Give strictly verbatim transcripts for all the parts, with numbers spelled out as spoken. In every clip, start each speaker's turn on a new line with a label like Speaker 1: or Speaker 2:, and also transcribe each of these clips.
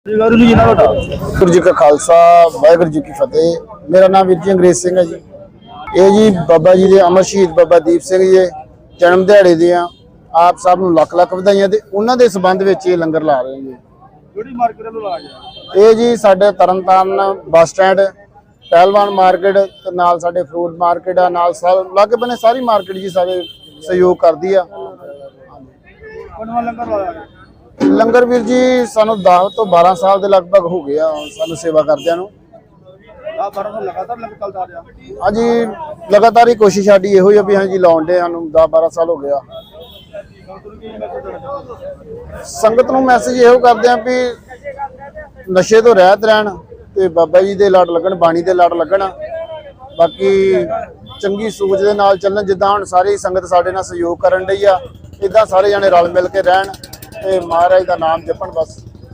Speaker 1: वाहिगुरू जी का खालसा वाहिगुरू जी की फतेह। मेरा नाम वीर जी अंग्रेज सिंह है जी। ये जी बाबा जी के अमर शहीद बाबा दीप सिंह जी जन्म दिहाड़े दियां आप सब नूं लख लख वधाइयां ते उन्हां दे संबंध विच ये लंगर ला रहे हैं जी।
Speaker 2: ਕਿਹੜੀ ਮਾਰਕੀਟ ਵੱਲੋਂ ਲਾ ਗਿਆ
Speaker 1: ये जी साडे तरनतारन बस स्टैंड पहलवान मार्केट ते नाल साडे फ्रूट मार्केट आ नाल लागे बने सारी मार्केट जी सारे सहयोग करदी आ।
Speaker 2: ਕੋਨਵਾ ਲੰਗਰ ਲਾਇਆ ਗਿਆ
Speaker 1: लंगर वीर जी सानू दस तो बारह साल के लगभग हो गया सानू सेवा करदियां नूं।
Speaker 2: ਆ ਬਾਰਾਂ ਸਾਲ ਲਗਾਤਾਰ ਲੰਗਰ ਚੱਲਦਾ ਰਿਹਾ
Speaker 1: हाँ जी लगातार ही कोशिश साडी इहो ही आ भी हाँ जी लाउण दे सानू दस बारह साल हो गया। संगत नूं मैसेज इहो करदे आ भी नशे तो रहत रहन ते बाबा जी दे लड़ लगन बाणी दे लड़ लगन बाकी चंगी सोच दे नाल चलन जिद्दां हुण सारी संगत साडे नाल सहयोग करन डई आ इदां सारे जने रल मिल के रहन ते महाराज दा नाम जपण बस।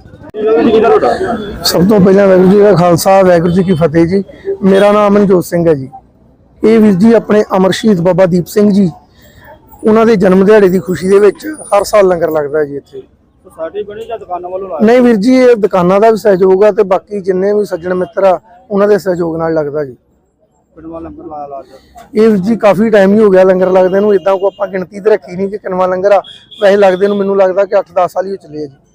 Speaker 3: सब तो पहले वाहिगुरू जी का खालसा वाहिगुरू जी की फतेह जी। मेरा नाम मनजोत सिंह है जी। ये वीर जी अपने अमर शहीद बाबा दीप सिंह जी उन्होंने जन्म दिहाड़े की खुशी दे विच हर साल लंगर लगता है जी इत्थे। नहीं वीर जी ये दुकानों का भी सहयोग है तो बाकी जिन्ने भी सज्जन मित्र आ उन्होंने सहयोग नाल लगता जी। ये वीर जी काफ़ी टाइम ही हो गया लंगर लगदे नूं इदां को आपां गिणती तो रखी नहीं कि किनवा लंगर आ वैसे लगदे नूं मैनूं लगदा कि अठ दस साल ही चले जी।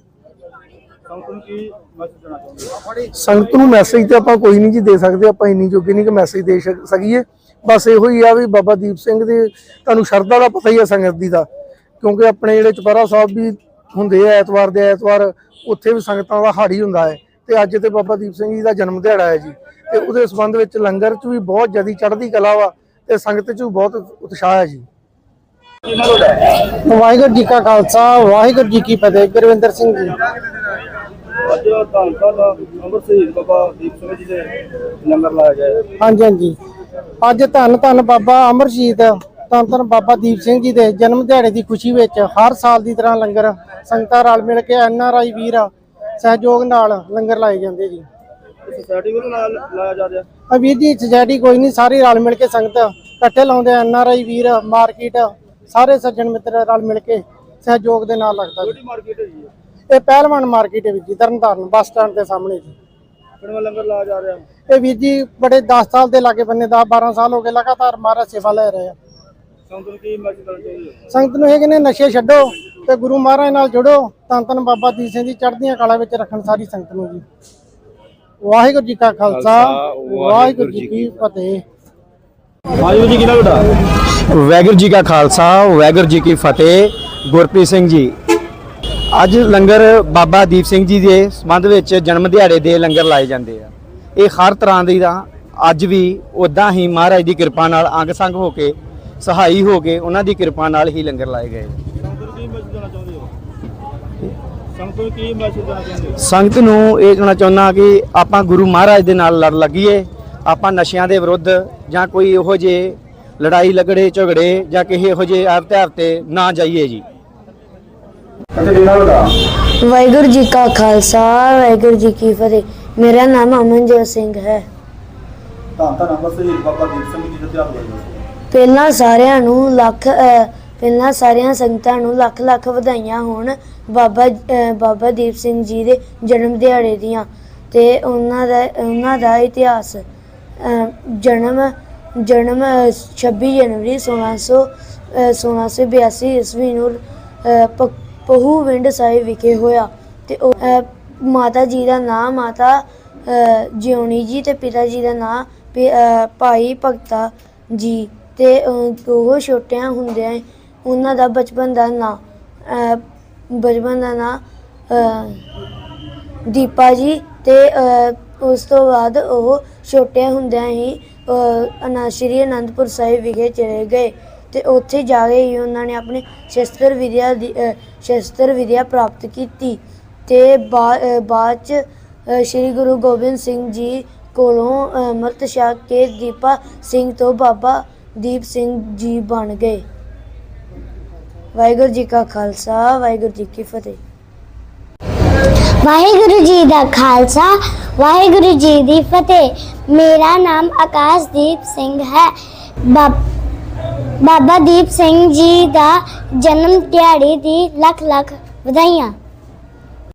Speaker 3: संगत नूं मैसेज तो आपां कोई नहीं जी दे सकते आपां इन्नी जोगे नहीं कि मैसेज दे सकीए बस इहो ही आ भी बाबा दीप सिंह दे तुहानूं शरधा दा पता ही है संगत दी दा क्योंकि अपने जिहड़े चुपहरा साहब भी हुंदे आ ऐतवार दे ऐतवार उत्थे भी संगतां दा हाड़ी हुंदा है ते अज ते बाबा दीप सिंह जी दा जन्म दिहाड़ा है जी ते उहदे संबंध विच लंगर च भी बहुत ज़्यादा चढ़दी कला वा ते संगत च भी बहुत उत्साह है जी। वाहिगुरू जी का खालसा वाहिगुरू जी की फतेह। गुरविंदर सिंह जी
Speaker 2: ਅੱਜ ਧੰਨ ਧੰਨ ਅਮਰ ਸ਼ਹੀਦ ਬਾਬਾ ਦੀਪ ਸਿੰਘ ਜੀ ਦੇ ਲੰਗਰ ਲਾਇਆ ਗਿਆ
Speaker 3: हाँ जी हाँ जी अज धन धन बाबा अमर शहीद धन धन बाबा दीप सिंह जी के जन्म दिहाड़े की खुशी में हर साल की तरह लंगर संगतां रल मिल के एन आर आई वीर सहयोग नाल लंगर लाए जाते जी।
Speaker 2: सोसाइटी ਵੱਲੋਂ ਲਾਇਆ ਜਾ ਰਿਹਾ
Speaker 3: आ वीर जी सोसाइटी कोई नहीं सारी रल मिल के संगत इकट्ठे लाउंदे एन आर आई वीर मार्केट सारे सज्जन मित्र रल मिल के सहयोग के नाल लगता जी।
Speaker 2: ਕਿਹੜੀ ਮਾਰਕੀਟ ਹੈ ਜੀ
Speaker 3: ये पहलवान मार्केट है वीर जी तरनतारन बस स्टैंड के सामने जी।
Speaker 2: ਕਿਹੜਾ ਲੰਗਰ ਲਾਇਆ ਜਾ ਰਿਹਾ
Speaker 3: ये वीर जी बड़े दस साल के लागे बन्ने दस बारह साल हो गए लगातार महाराज सेवा ले रहे हैं।
Speaker 2: ਸੰਗਤ ਨੂੰ ਕੀ ਮੈਸੇਜ ਦੇਣਾ ਚਾਹੁੰਦੇ ਹੋ
Speaker 3: संगत नूं ये कहने नशे छड्डो ते गुरु महाराज नाल जुड़ो धन धन बाबा दीप सिंह जी चढ़दियां कला विच रखण सारी संगत नूं जी। वाहिगुरू जी का खालसा वाहिगुरू जी की फतेह।
Speaker 2: ਵਾਹਿਗੁਰੂ ਜੀ ਕਿਹਦਾ ਬੇਟਾ
Speaker 4: वाहिगुरू जी का खालसा वाहिगुरू जी की फतेह। गुरप्रीत सिंह जी ਅੱਜ ਲੰਗਰ ਬਾਬਾ ਦੀਪ ਸਿੰਘ ਜੀ ਦੇ ਸੰਬੰਧ ਵਿੱਚ ਜਨਮ ਦਿਹਾੜੇ ਦੇ ਲੰਗਰ ਲਾਏ ਜਾਂਦੇ ਆ। ਇਹ ਹਰ ਤਰ੍ਹਾਂ ਦੀ ਦਾ ਅੱਜ ਵੀ ਉਦਾਂ ਹੀ ਮਹਾਰਾਜ ਦੀ ਕਿਰਪਾ ਨਾਲ ਅੰਗ ਸੰਗ ਹੋ ਕੇ ਸਹਾਈ ਹੋ ਕੇ ਉਹਨਾਂ ਦੀ ਕਿਰਪਾ ਨਾਲ ਹੀ ਲੰਗਰ ਲਾਏ ਗਏ।
Speaker 2: ਸੰਗਤ ਨੂੰ ਕੀ ਮੈਸੇਜ ਦੇਣਾ ਚਾਹੁੰਦੇ ਹੋ
Speaker 4: ਸੰਗਤ ਨੂੰ ਇਹ ਕਹਿਣਾ ਚਾਹੁੰਦਾ ਕਿ ਆਪਾਂ ਗੁਰੂ ਮਹਾਰਾਜ ਦੇ ਨਾਲ ਲੜ ਲੱਗੀਏ ਆਪਾਂ ਨਸ਼ਿਆਂ ਦੇ ਵਿਰੁੱਧ ਜਾਂ ਕੋਈ ਇਹੋ ਜਿਹੇ ਲੜਾਈ ਲਗੜੇ ਝਗੜੇ ਜਾਂ ਕਿਸੇ ਇਹੋ ਜਿਹੇ ਆਪ ਤਿਉਹਾਰ ਤੇ ਨਾ ਜਾਈਏ ਜੀ।
Speaker 5: वाहिगुरू जी का खालसा वाहिगुरू जी की फतेह। मेरा नाम अमनजोत सिंह है।
Speaker 2: ਧੰਨ ਧੰਨ ਅਮਰ ਸ਼ਹੀਦ ਬਾਬਾ ਦੀਪ ਸਿੰਘ ਜੀ ਦਾ ਤਿਆਰ ਹੋਇਆ
Speaker 5: ਪਹਿਲਾਂ ਸਾਰਿਆਂ ਨੂੰ ਲੱਖ ਅ, ਪਹਿਲਾਂ ਸਾਰਿਆਂ ਸੰਗਤਾਂ ਨੂੰ ਲੱਖ ਲੱਖ ਵਧਾਈਆਂ ਹੋਣ ਬਾਬਾ ਅ, ਬਾਬਾ ਦੀਪ ਸਿੰਘ ਜੀ ਦੇ ਜਨਮ ਦਿਹਾੜੇ ਦੀਆਂ ਤੇ ਉਹਨਾਂ ਦਾ ਉਹਨਾਂ ਦਾ ਇਤਿਹਾਸ ਅ, ਜਨਮ ਜਨਮ ਛੱਬੀ ਜਨਵਰੀ ਸੋਲਾਂ ਸੌ ਸੋਲਾਂ ਸੌ ਬਿਆਸੀ ਈਸਵੀ ਨੂੰ ਅ, ਪ- ਪਹੂ ਵਿੰਡ ਸਾਹਿਬ ਵਿਖੇ ਹੋਇਆ ਤੇ ਉਹ, ਅ, ਮਾਤਾ ਜੀ ਦਾ ਨਾਮ ਮਾਤਾ ਅ, ਜਿਉਣੀ ਜੀ ਤੇ ਪਿਤਾ ਜੀ ਦਾ ਨਾਮ ਭਾਈ ਭਗਤਾ ਜੀ ਤੇ ਅ, ਉਹ ਛੋਟਿਆਂ ਹੁੰਦਿਆਂ ਉਹਨਾਂ ਦਾ ਬਚਪਨ ਦਾ ਨਾਂ ਬਚਪਨ ਦਾ ਨਾਂ ਦੀਪਾ ਜੀ ਤੇ ਅ, ਉਸ ਤੋਂ ਬਾਅਦ ਉਹ ਛੋਟਿਆਂ ਹੁੰਦਿਆਂ ਹੀ ਅਨਾ ਸ਼੍ਰੀ ਅਨੰਦਪੁਰ ਸਾਹਿਬ ਵਿਖੇ ਚਲੇ ਗਏ ਤੇ ਉੱਥੇ ਜਾ ਕੇ ਹੀ ਉਹਨਾਂ ਨੇ ਆਪਣੇ ਸ਼ਸਤਰ ਵਿਦਿਆ ਦੀ ਅ, ਸ਼ਸਤਰ ਵਿਦਿਆ ਪ੍ਰਾਪਤ ਕੀਤੀ ਤੇ ਬਾ- ਅ, ਬਾਅਦ 'ਚ ਅ, ਸ਼੍ਰੀ ਗੁਰੂ ਗੋਬਿੰਦ ਸਿੰਘ ਜੀ ਕੋਲੋਂ ਅੰਮ੍ਰਿਤ ਛਕ ਕੇ ਦੀਪਾ ਸਿੰਘ ਤੋਂ ਬਾਬਾ ਦੀਪ ਸਿੰਘ ਜੀ ਬਣ ਗਏ। ਵਾਹਿਗੁਰੂ ਜੀ ਕਾ ਖਾਲਸਾ ਵਾਹਿਗੁਰੂ ਜੀ ਕੀ ਫਤਿਹ।
Speaker 6: वाहिगुरु जी का खालसा वाहिगुरु जी की फतेह। मेरा नाम आकाशदीप सिंह है। बा, बाबा दीप सिंह जी का जन्म दिहाड़ी दी लख लख ਵਧਾਈਆਂ।